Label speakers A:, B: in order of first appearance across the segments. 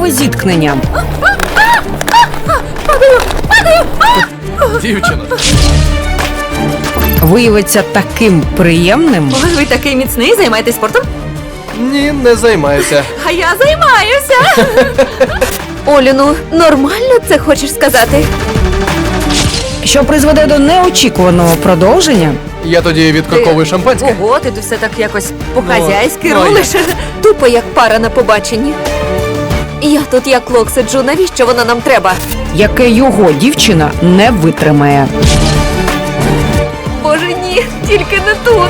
A: життєве зіткнення.
B: Дівчина.
A: Виявиться таким приємним.
C: Ой, ви такий міцний, займаєтесь спортом?
B: Ні, не займаюся.
C: А я займаюся. Олю, ну нормально це хочеш сказати?
A: Що призведе до неочікуваного продовження.
B: Я тоді відкорковую шампанське.
C: Ого, ти тут все так якось по-хазяйськи
B: Ну,
C: рулиш. Тупо як пара на побаченні. Я тут як лок сиджу, навіщо воно нам треба?
A: Яке його дівчина не витримає.
C: Боже, ні, тільки не тут.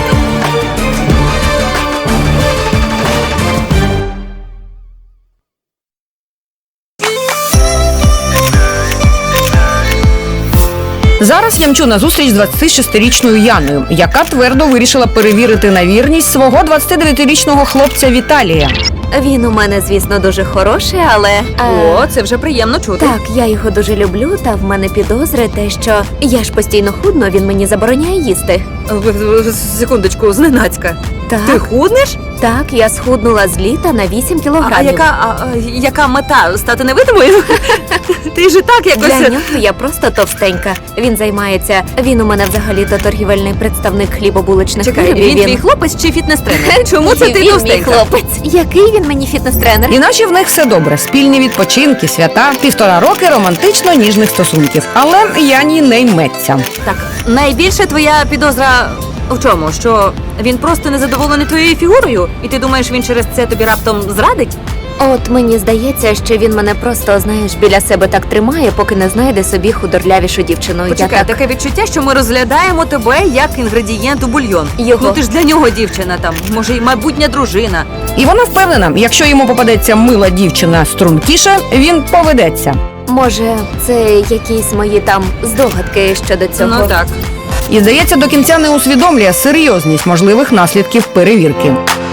A: Зараз я мчу на зустріч з 26-річною Яною, яка твердо вирішила перевірити на вірність свого 29-річного хлопця Віталія.
C: Він у мене, звісно, дуже хороший, але...
D: О, це вже приємно чути.
C: Так, я його дуже люблю, та в мене підозри те, що я ж постійно худно, він мені забороняє їсти.
D: Секундочку, зненацька.
C: Так,
D: Ти худнеш?
C: так, я схуднула з літа на 8
D: А
C: кілограмів.
D: яка мета? Стати невидимою? Ти ж і так
C: Для
D: якось...
C: нього я просто товстенька. Він займається, він у мене взагалі-то торгівельний представник хлібобуличних
D: Чекай,
C: виробів.
D: він твій хлопець чи фітнес-тренер? Чому це ти
C: Він мій
D: товстенька?
C: хлопець. Який він мені фітнес-тренер?
A: Іначе в них все добре. Спільні відпочинки, свята, 1,5 роки романтично-ніжних стосунків. Але Яні не йметься.
D: Так, найбільше твоя підозра в чому? Що він просто незадоволений твоєю фігурою? І ти думаєш, він через це тобі раптом зрадить?
C: От мені здається, що він мене просто, знаєш, біля себе так тримає, поки не знайде собі худорлявішу дівчину.
D: Почекай,
C: Я так...
D: таке відчуття, що ми розглядаємо тебе як інгредієнт у бульйон.
C: Його.
D: Ну ти ж для нього дівчина там, може й майбутня дружина.
A: І вона впевнена, якщо йому попадеться мила дівчина стрункіша, він поведеться.
C: Може, це якісь мої там здогадки щодо цього?
D: Ну так.
A: І, здається, до кінця не усвідомлює серйозність можливих наслідків перевірки.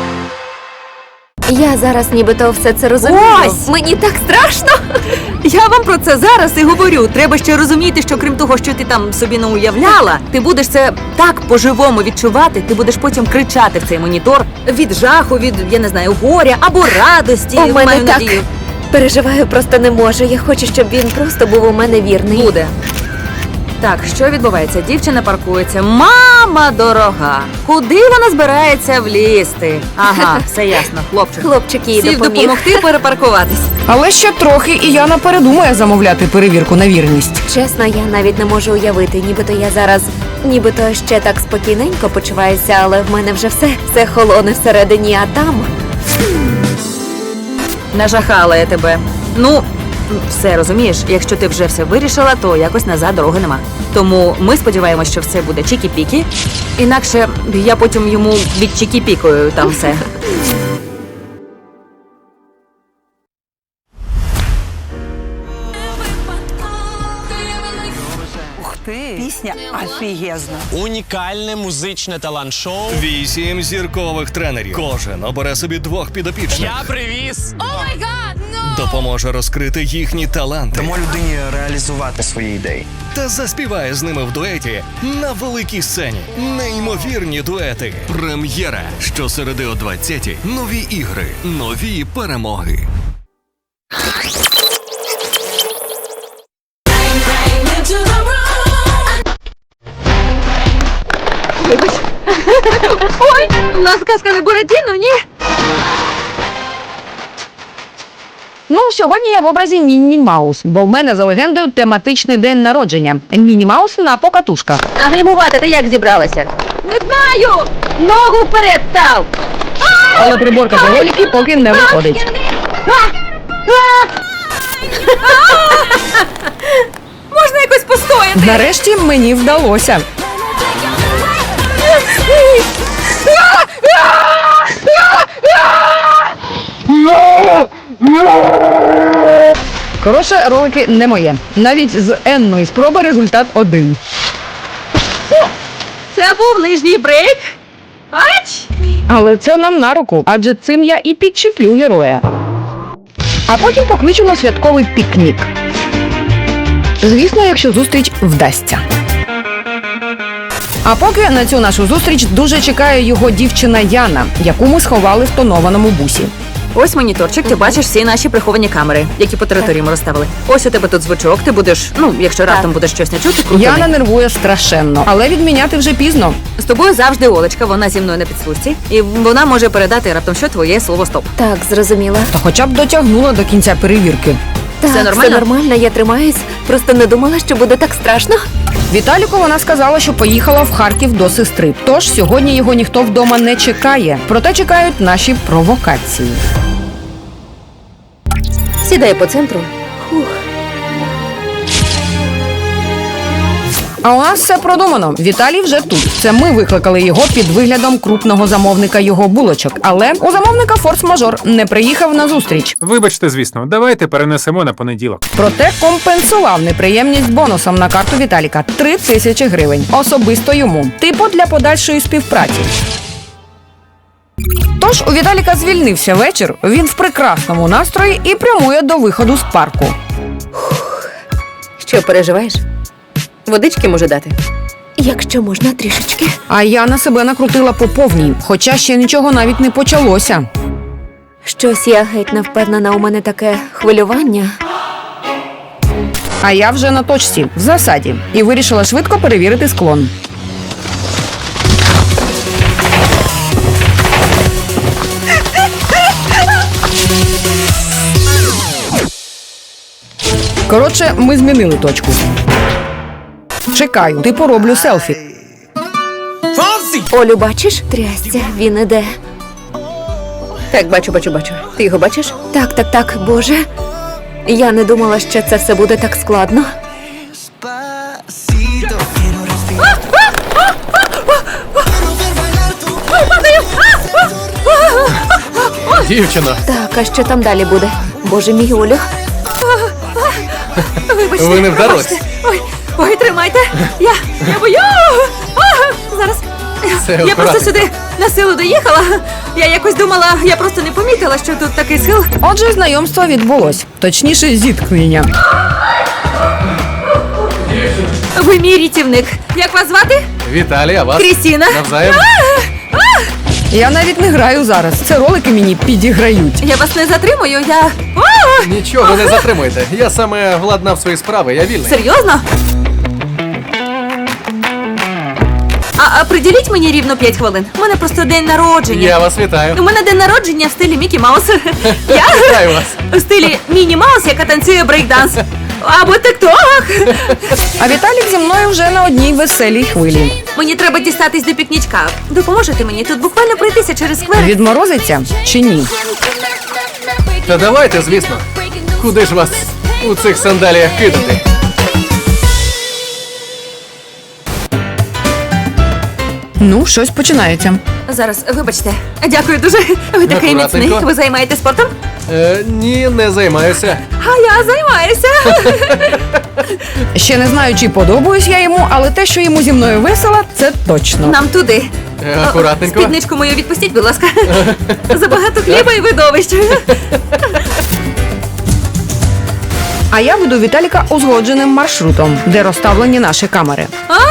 C: Я зараз нібито все це розумію.
D: Ось!
C: Мені так страшно.
D: Я вам про це зараз і говорю. Треба ще розуміти, що крім того, що ти там собі не уявляла, ти будеш це так по-живому відчувати, ти будеш потім кричати в цей монітор від жаху, від, я не знаю, горя або радості.
C: У мене
D: маю
C: так
D: надію.
C: переживаю, просто не можу. Я хочу, щоб він просто був у мене вірний.
D: Буде. Так, що відбувається? Дівчина паркується. Мама дорога! Куди вона збирається влізти? Ага, все ясно, хлопчик.
C: Хлопчик їй
D: Сів
C: допоміг.
D: допомогти перепаркуватись.
A: Але ще трохи, і Яна передумає замовляти перевірку на вірність.
C: Чесно, я навіть не можу уявити, нібито я зараз, нібито ще так спокійненько почуваюся, але в мене вже все холоне всередині, а там...
D: Нажахала я тебе. Ну, все розумієш, якщо ти вже все вирішила, то якось назад дороги нема. Тому ми сподіваємося, що все буде чікі-пікі. Інакше я потім йому від чікі-пікою там все.
E: Ух ти! Пісня офігезна.
F: Унікальне музичне талант-шоу.
G: 8 зіркових тренерів. Кожен обере собі 2 підопічних.
F: Я привіз.
G: Допоможе розкрити їхні таланти.
H: Дамо людині реалізувати свої ідеї.
G: Та заспіває з ними в дуеті на великій сцені. Неймовірні дуети. Прем'єра. Щосереди о 20-й. Нові ігри. Нові перемоги.
D: Ой, у нас казка не Буратіно, ні?
A: Ну, сьогодні я в образі Мінні Маус, бо в мене за легендою тематичний день народження. Мінні Маус на покатушках.
C: А гримувати ти як зібралася?
D: Не знаю! Ногу вперед став!
A: Але приборка за голіки поки не виходить.
D: Можна якось постояти?
A: Нарешті мені вдалося. Коротше, ролики не моє. Навіть з енної спроби результат 1.
D: Це був нижній брейк. Ач!
A: Але це нам на руку, адже цим я і підчеплю героя. А потім покличу на святковий пікнік. Звісно, якщо зустріч вдасться. А поки на цю нашу зустріч дуже чекає його дівчина Яна, яку ми сховали в тонованому бусі.
D: Ось моніторчик, ти бачиш всі наші приховані камери, які по території ми розставили. Ось у тебе тут звучок, ти будеш, якщо раптом будеш щось не чути, крути.
A: Яна нервує страшенно, але відміняти вже пізно.
D: З тобою завжди Олечка, вона зі мною на підслужці, і вона може передати раптом що твоє слово стоп.
C: Так, зрозуміла.
A: Та хоча б дотягнула до кінця перевірки.
C: Так,
D: Все нормально?
C: Все нормально, я тримаюсь. Просто не думала, що буде так страшно.
A: Віталіку вона сказала, що поїхала в Харків до сестри. Тож сьогодні його ніхто вдома не чекає. Проте чекають наші провокації.
D: Сідай по центру.
A: А у нас все продумано. Віталій вже тут. Це ми викликали його під виглядом крупного замовника його булочок. Але у замовника форс-мажор не приїхав на зустріч.
I: Вибачте, звісно, давайте перенесемо на понеділок.
A: Проте компенсував неприємність бонусом на карту Віталіка 3000 гривень. Особисто йому. Типу для подальшої співпраці. Тож у Віталіка звільнився вечір, він в прекрасному настрої і прямує до виходу з парку.
D: Що, переживаєш? Водички може дати?
C: Якщо можна, трішечки.
A: А я на себе накрутила по повній, хоча ще нічого навіть не почалося.
C: Щось я геть не впевнена, у мене таке хвилювання.
A: А я вже на точці, в засаді, і вирішила швидко перевірити склон. Коротше, ми змінили точку. Чекаю, типу роблю селфі.
C: Олю, бачиш? Трясця, він іде.
D: Так, бачу. Ти його бачиш?
C: Так, Боже. Я не думала, що це все буде так складно.
B: Дівчино,
C: Так, а що там далі буде? Боже мій, Олю.
D: Вибачте.
B: ви не вдалося.
D: Вибачте. Ой, тримайте. Я бою. Зараз.
B: Це
D: Я просто
B: акуратненько.
D: сюди на силу доїхала. Я якось думала, я просто не помітила, що тут такий схил.
A: Отже, знайомство відбулось. Точніше, зіткнення.
D: Ви мій рятівник. Як вас звати?
B: Віталій, а вас?
D: Крістіна.
B: Навзаєм.
A: Я навіть не граю зараз. Це ролики мені підіграють.
D: Я вас не затримую, я.
B: Нічого не затримуйте. Я саме владнав свої справи, я вільний.
D: Серйозно? А приділіть мені рівно 5 хвилин. У мене просто день народження.
B: Я вас вітаю.
D: У мене день народження в стилі Мікі Маус. Я
B: Вітаю вас.
D: у стилі Міні Маус, яка танцює брейкданс. Або тик-ток.
A: А Віталік зі мною вже на одній веселій хвилі.
D: Мені треба дістатись до пікнічка. Допоможете мені тут буквально пройтися через сквер?
A: Відморозиться чи ні?
B: Та давайте, звісно. Куди ж вас у цих сандаліях кидати?
A: Ну, щось починається.
D: Зараз, вибачте. Дякую дуже. Ви такий міцний.
B: Акуратненько.
D: Ви займаєтесь спортом?
B: Ні, не займаюся.
D: А я займаюся.
A: Ще не знаю, чи подобаюсь я йому, але те, що йому зі мною весело, це точно.
D: Нам туди.
B: Акуратненько.
D: Спідничку мою відпустіть, будь ласка. Забагато хліба і видовищ.
A: А я веду Віталіка узгодженим маршрутом, де розставлені наші камери.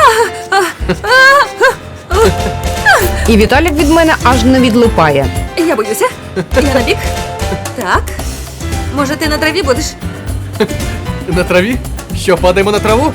A: І Віталік від мене аж не відлипає.
D: Я боюся. Я на бік. Так. Може, ти на траві будеш?
B: На траві? Що, падаємо на траву?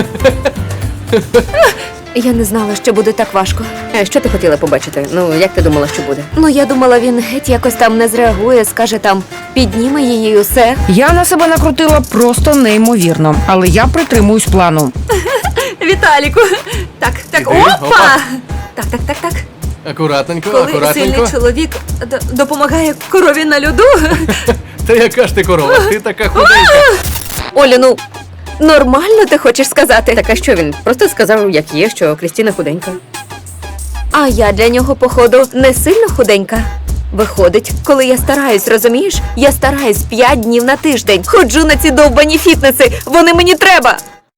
C: Я не знала, що буде так важко.
D: Що ти хотіла побачити? Ну, як ти думала, що буде?
C: Ну, я думала, він геть якось там не зреагує, скаже там, підніме її і усе.
A: Я на себе накрутила просто неймовірно, але я притримуюсь плану.
D: Віталіку. Так.
B: Іди,
D: Опа!
B: опа.
D: Так.
B: Акуратненько,
D: Коли
B: акуратненько.
D: сильний чоловік допомагає корові на льоду.
B: Та яка ж ти корова? Ти така худенька.
C: Олю, ну, нормально ти хочеш сказати?
D: Так, а що він? Просто сказав, як є, що Крістіна худенька.
C: А я для нього, походу, не сильно худенька. Виходить, коли я стараюсь, розумієш? Я стараюсь 5 днів на тиждень. Ходжу на ці довбані фітнеси. Вони мені треба.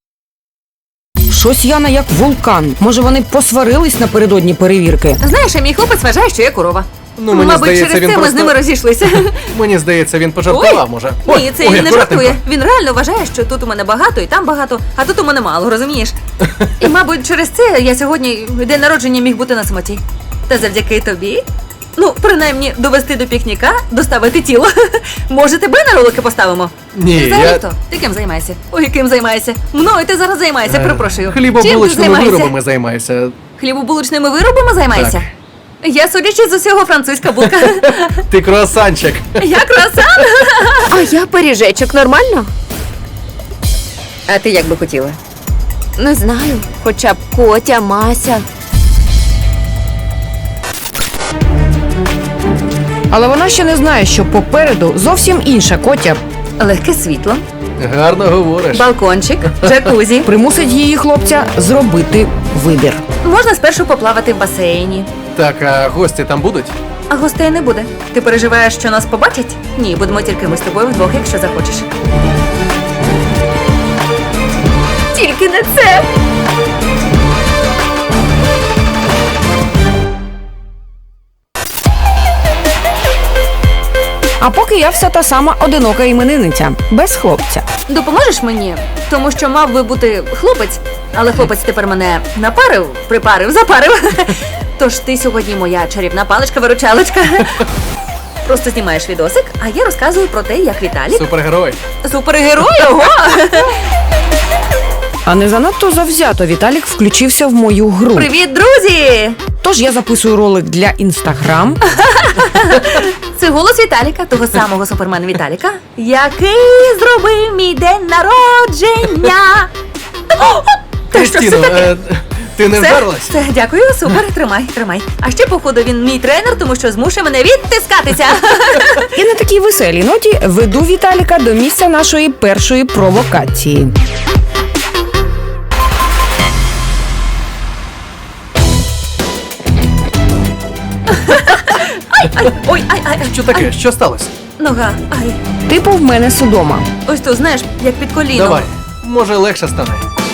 A: Щось Яна як вулкан. Може, вони посварились напередодні перевірки?
D: Знаєш, а мій хлопець вважає, що я корова.
B: Ну, мені
D: Мабуть,
B: здається,
D: через
B: він
D: це ми
B: просто...
D: з ними розійшлися.
B: Мені здається, він пожартував, може.
D: Ні, це він не
B: акуратненько.
D: жартує. Він реально вважає, що тут у мене багато і там багато, а тут у мене мало, розумієш? І, мабуть, через це я сьогодні день народження міг бути на самоті. Та завдяки тобі Ну, принаймні, довести до пікніка, доставити тіло. Може, тебе на ролики поставимо?
B: Ні,
D: Взагалі
B: я...
D: хто? Ти ким займаєшся? Ой, ким займаєшся? Мною ти зараз займаєшся, перепрошую. Чим ти
B: Хлібобулочними
D: займаєшся?
B: виробами займаюся.
D: Хлібобулочними виробами займаєшся?
B: Так.
D: Я, судячи з усього, французька булка.
B: Ти круасанчик.
D: Я круасан.
C: А я пиріжечок, нормально?
D: А ти як би хотіла?
C: Не знаю. Хоча б Котя, Мася.
A: Але вона ще не знає, що попереду зовсім інша Котя
D: Легке світло,
B: Гарно говориш.
D: балкончик, джакузі.
A: примусить її хлопця зробити вибір.
D: Можна спершу поплавати в басейні.
B: Так, а гості там будуть?
D: А гостей не буде. Ти переживаєш, що нас побачать? Ні, будемо тільки ми з тобою вдвох, якщо захочеш.
C: Тільки не це.
A: А поки я вся та сама одинока іменинниця, без хлопця.
D: Допоможеш мені? Тому що мав би бути хлопець, але хлопець тепер мене напарив, припарив, запарив. Тож ти сьогодні моя чарівна паличка-виручалочка. Просто знімаєш відосик, а я розказую про те, як Віталік
B: Супергерой.
D: супергерой, ого!
A: А не занадто завзято Віталік включився в мою гру.
D: Привіт, друзі!
A: Тож я записую ролик для Інстаграм.
D: Це голос Віталіка, того самого супермена Віталіка, який зробив мій день народження.
B: Кристіно, ти не вдарилась?
D: Все, дякую, супер, тримай. А ще, походу, він мій тренер, тому що змушує мене відтискатися.
A: І на такій веселій ноті веду Віталіка до місця нашої першої провокації.
D: Ой,
B: Що таке? Що сталося?
D: нога, ай.
A: Типу в мене судома.
D: Ось тут, знаєш, як під коліном.
B: Давай. Може легше стане.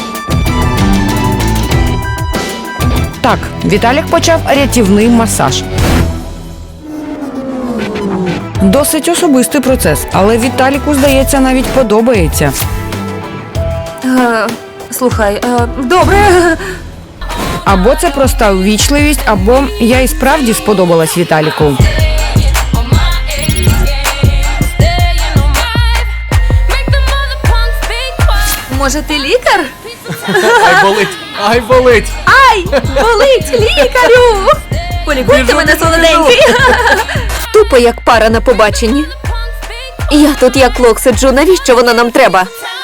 A: Так, Віталік почав рятівний масаж. Досить особистий процес, але Віталіку, здається, навіть подобається.
D: Слухай, добре.
A: Або це проста ввічливість, або я і справді сподобалась Віталіку.
D: Може, ти лікар?
B: Ай болить! Ай болить!
D: Ай, болить, лікарю! Полікуйте
B: Біжу,
D: мене,
B: біжу,
D: солоденький.
C: Тупо як пара на побаченні. Я тут як лох сиджу, навіщо воно нам треба?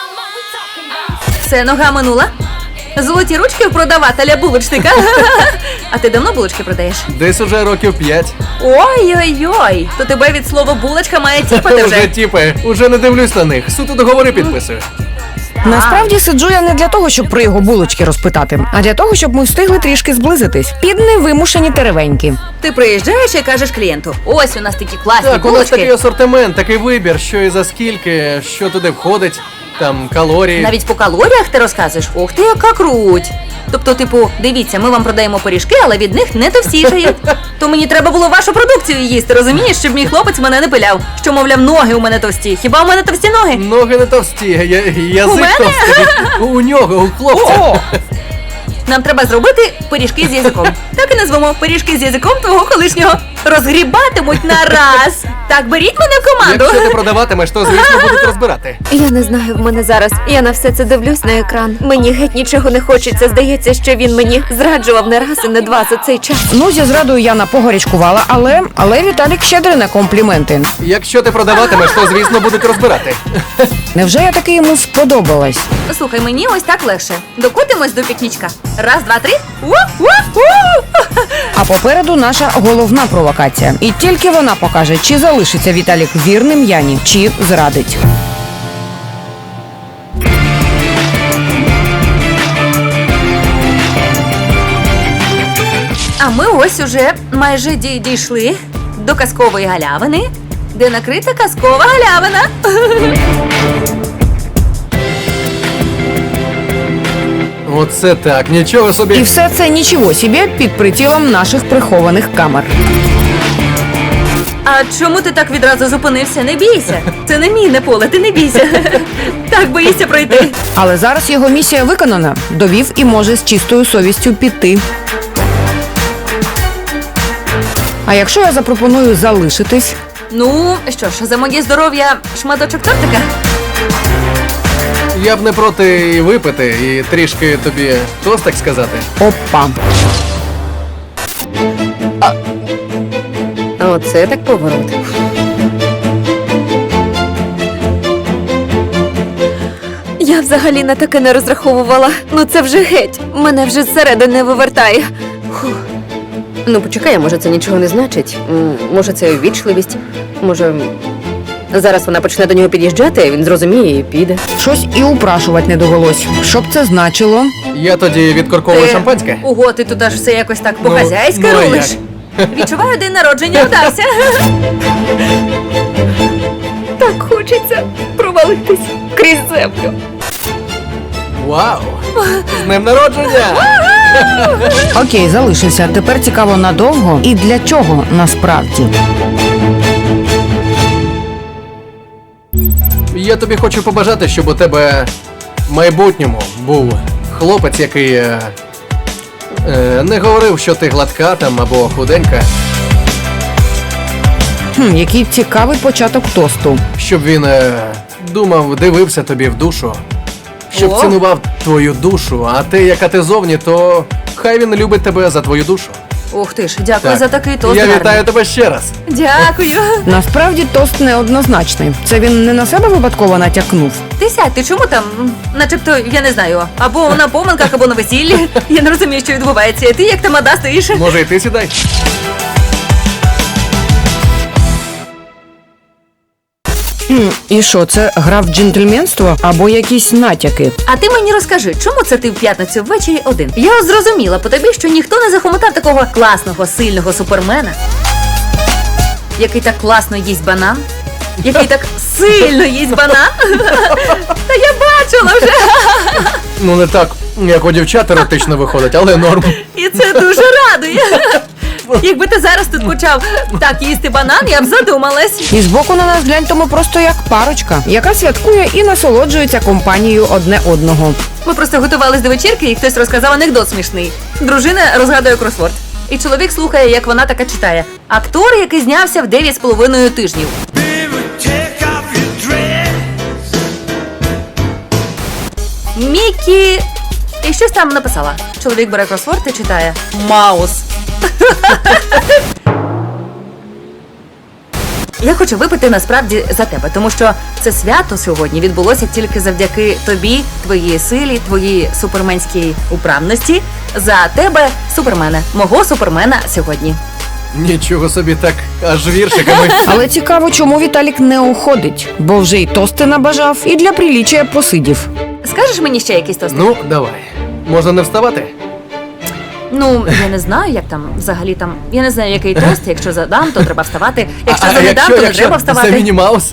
D: Все, нога минула. Золоті ручки у продавателя булочника. А ти давно булочки продаєш?
B: Десь уже років 5.
D: Ой-ой-ой, то тебе від слова булочка має тіпати
B: Уже
D: вже.
B: тіпи, уже не дивлюсь на них. Суто договори підписую.
A: Насправді сиджу я не для того, щоб про його булочки розпитати, а для того, щоб ми встигли трішки зблизитись під невимушені теревеньки.
D: Ти приїжджаєш і кажеш клієнту: ось у нас такі класні
B: Так, у нас такий
D: булочки.
B: асортимент, такий вибір, що і за скільки, що туди входить, там калорії.
D: Навіть по калоріях ти розказуєш, ух ти, яка круть. Тобто, типу, дивіться, ми вам продаємо пиріжки, але від них не товстішають. То мені треба було вашу продукцію їсти, розумієш, щоб мій хлопець мене не пиляв. Що, мовляв, ноги у мене товсті. Хіба у мене товсті ноги?
B: Ноги не товсті,
D: У
B: язик
D: мене?
B: товстий. У нього, у хлопця.
D: Нам треба зробити пиріжки з язиком. Так і назвемо пиріжки з язиком твого колишнього. Розгрібатимуть на раз. Так, беріть мене в команду.
B: Якщо ти продаватимеш, то звісно будуть розбирати.
C: Я не знаю, в мене зараз. Я на все це дивлюсь на екран. Мені геть нічого не хочеться. Здається, що він мені зраджував не раз і не два за цей час.
A: Ну, зі зрадою Яна погорячкувала, але Віталік щедрий на компліменти.
B: Якщо ти продаватимеш, то звісно будуть розбирати.
A: Невже я таки йому сподобалась?
D: Слухай, мені ось так легше. Докотимось до пікнічка. Раз, два, три. У-у-у!
A: А попереду наша головна провокація. І тільки вона покаже, чи залишиться Віталік вірним Яні, чи зрадить.
D: А ми ось уже майже дійшли до казкової галявини, де накрита казкова галявина.
B: Оце так, нічого
A: І
B: собі.
A: все це нічого собі під прицілом наших прихованих камер.
D: А чому ти так відразу зупинився? Не бійся. Це не мінне поле, ти не бійся. Так боїшся пройти.
A: Але зараз його місія виконана. Довів і може з чистою совістю піти. А якщо я запропоную залишитись?
D: Ну, що ж, за моє здоров'я шматочок тортика?
B: Я б не проти і випити, і трішки тобі тостик сказати.
A: Опа.
C: Оце так поворот. Я взагалі на таке не розраховувала. Ну це вже геть. Мене вже зсередини вивертає. Фух. Ну, почекай, може це нічого не значить. Може це ввічливість. Може, зараз вона почне до нього під'їжджати, він зрозуміє і піде.
A: Щось і упрашувати не довелось. Що б це значило?
B: Я тоді відкорковую шампанське.
D: Ого, ти тут аж все якось так
B: Ну,
D: по-хазяйськи
B: ну, а
D: рулиш.
B: як?
D: Відчуваю, день народження вдався.
C: Так хочеться провалитись крізь землю.
B: Вау! З днем народження!
A: Окей, залишився. Тепер цікаво надовго і для чого насправді.
B: Я тобі хочу побажати, щоб у тебе в майбутньому був хлопець, який не говорив, що ти гладка там або худенька,
A: Який цікавий початок тосту.
B: щоб він думав, дивився тобі в душу, щоб
D: О!
B: цінував твою душу, а ти, яка ти зовні, то хай він любить тебе за твою душу.
D: Ух ти ж, дякую за такий тост.
B: Я
D: гарний.
B: вітаю тебе ще раз.
D: Дякую.
A: Насправді тост неоднозначний. Це він не на себе випадково натякнув.
D: Ти сядь, ти чому там? Начебто, я не знаю, або на поминках, або на весіллі. Я не розумію, що відбувається. Ти як тамада стоїш.
B: Може, і ти сідай?
A: І що, це гра в джентльменство або якісь натяки?
D: А ти мені розкажи, чому це ти в п'ятницю ввечері один? Я зрозуміла по тобі, що ніхто не захомотав такого класного, сильного супермена, який так класно їсть банан, який так сильно їсть банан. Та я бачила вже.
B: Ну не так, як у дівчат еротично виходить, але норм.
D: І це дуже радує. Якби ти зараз тут почав так їсти банан, я б задумалась.
A: І збоку на нас глянь, то ми просто як парочка, яка святкує і насолоджується компанією одне одного.
D: Ми просто готувались до вечірки, і хтось розказав анекдот смішний. Дружина розгадує кросворд. І чоловік слухає, як вона така читає. Актор, який знявся в 9,5 тижнів. Мікі... І щось там написала. Чоловік бере кросворд і читає. Маус. Я хочу випити насправді за тебе, тому що це свято сьогодні відбулося тільки завдяки тобі, твоїй силі, твоїй суперменській управності. За тебе, супермена, мого супермена сьогодні.
B: Нічого собі так, аж віршиками.
A: Але цікаво, чому Віталік не уходить, бо вже й тости набажав, і для приліччя посидів.
D: Скажеш мені ще якийсь тост?
B: Ну, давай. Можна не вставати?
D: Ну, я не знаю, як там взагалі там. Я не знаю, який тост. Якщо задам, то треба вставати. Якщо задам, то не треба
B: це
D: вставати.
B: Міні Маус?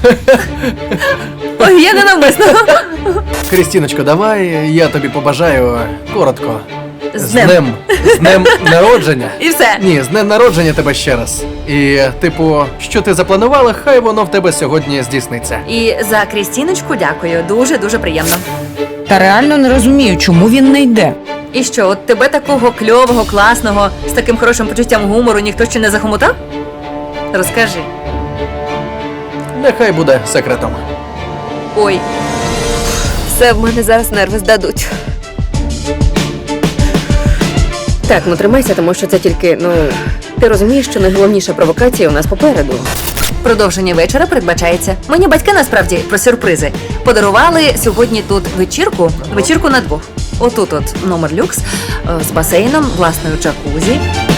D: Ой, я ненавмисно.
B: Крістіночко, давай я тобі побажаю коротко.
D: З днем.
B: З днем народження.
D: І все.
B: Ні, з днем народження тебе ще раз. І, типу, що ти запланувала, хай воно в тебе сьогодні здійсниться.
D: І за Крістіночку дякую. Дуже-дуже приємно.
A: Та реально не розумію, чому він не йде.
D: І що, от тебе такого кльового, класного, з таким хорошим почуттям гумору ніхто ще не захомутав? Розкажи.
B: Нехай буде секретом.
D: Ой,
C: Все, в мене зараз нерви здадуть. Так, ну тримайся, тому що це тільки, ти розумієш, що найголовніша провокація у нас попереду.
D: продовження вечора передбачається. Мені батьки насправді про сюрпризи подарували сьогодні тут вечірку на двох. Отут от номер люкс з басейном, власною джакузі.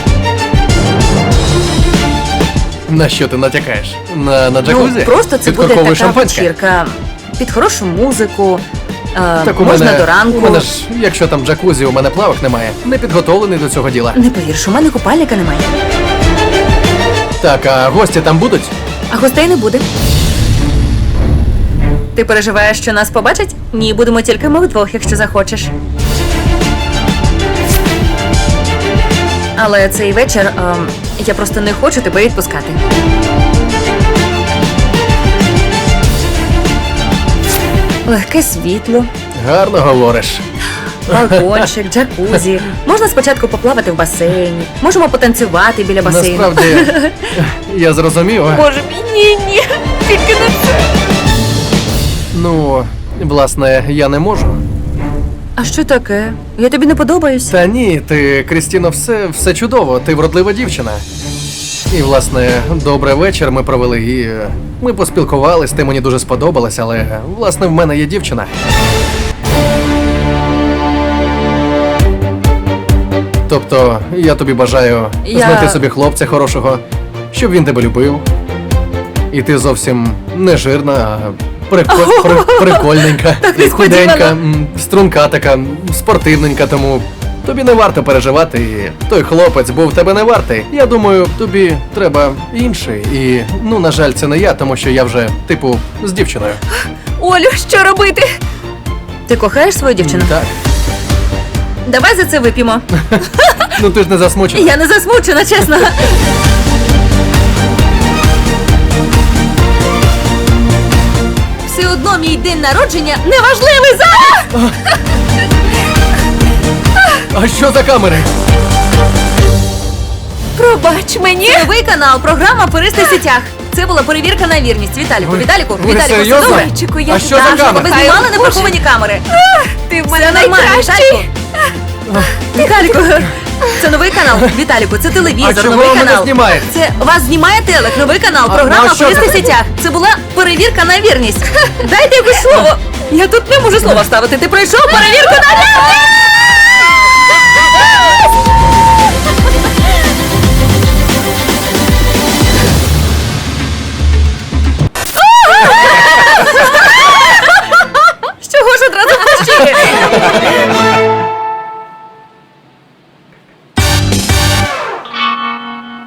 B: На що ти натякаєш? На джакузі?
D: Ну, просто це буде
B: Підкорковує
D: така
B: шампанське?
D: вечірка під хорошу музику.
B: Так у
D: можна
B: мене,
D: до ранку.
B: У мене ж, якщо там джакузі, у мене плавок немає. Не підготовлений до цього діла.
D: Не повірш, у мене купальника немає.
B: Так, а гості там будуть?
D: А гостей не буде. Ти переживаєш, що нас побачать? Ні, будемо тільки ми вдвох, якщо захочеш. Але цей вечір я просто не хочу тебе відпускати. Легке світло.
B: Гарно говориш.
D: балкончик, джакузі. Можна спочатку поплавати в басейні. Можемо потанцювати біля басейну.
B: Насправді, я зрозумів.
C: Боже мій, ні. Тільки не це.
B: Ну, власне, я не можу.
D: А що таке? Я тобі не подобаюся.
B: Та ні, ти, Крістіно, все чудово, ти вродлива дівчина. І, власне, добрий вечір ми провели, і ми поспілкувались, ти мені дуже сподобалась, але, власне, в мене є дівчина. Тобто, я тобі бажаю знайти собі хлопця хорошого, щоб він тебе любив. І ти зовсім не жирна, а прикольненька, худенька, струнка така, спортивненька, тому тобі не варто переживати, і той хлопець був тебе не вартий. Я думаю, тобі треба інший. І, ну, на жаль, це не я, тому що я вже, типу, з дівчиною.
C: Олю, що робити?
D: Ти кохаєш свою дівчину?
B: Так.
D: Давай за це вип'ємо.
B: Ну ти ж не засмучена.
D: Я не засмучена, чесно. Все одно мій день народження неважливий зараз!
B: А що за камери?
C: Пробач мені.
D: Новий канал, програма «Аферисти в сітях». Це була перевірка на вірність. Віталіку, Віталіку,
B: ви
D: Віталіку, все
B: серйозно?
D: добре?
C: Чеку, я
B: А що за
C: так,
B: камери?
D: Ви
C: кохаю.
D: знімали неприховані камери?
C: Ти в
D: Все
C: мене
D: нормально,
C: найкращий.
D: Віталіку, це новий канал. Віталіку, це
B: А
D: телевізор,
B: чого
D: новий
B: ви мене
D: канал.
B: знімаєте?
D: Це вас знімає телек, новий канал,
B: А,
D: програма
B: ну а що
D: «Аферисти в
B: це?
D: сітях». Це була перевірка на вірність. Дайте якось слово. Я тут не можу слова вставити. Ти пройшов перевірку на вірність!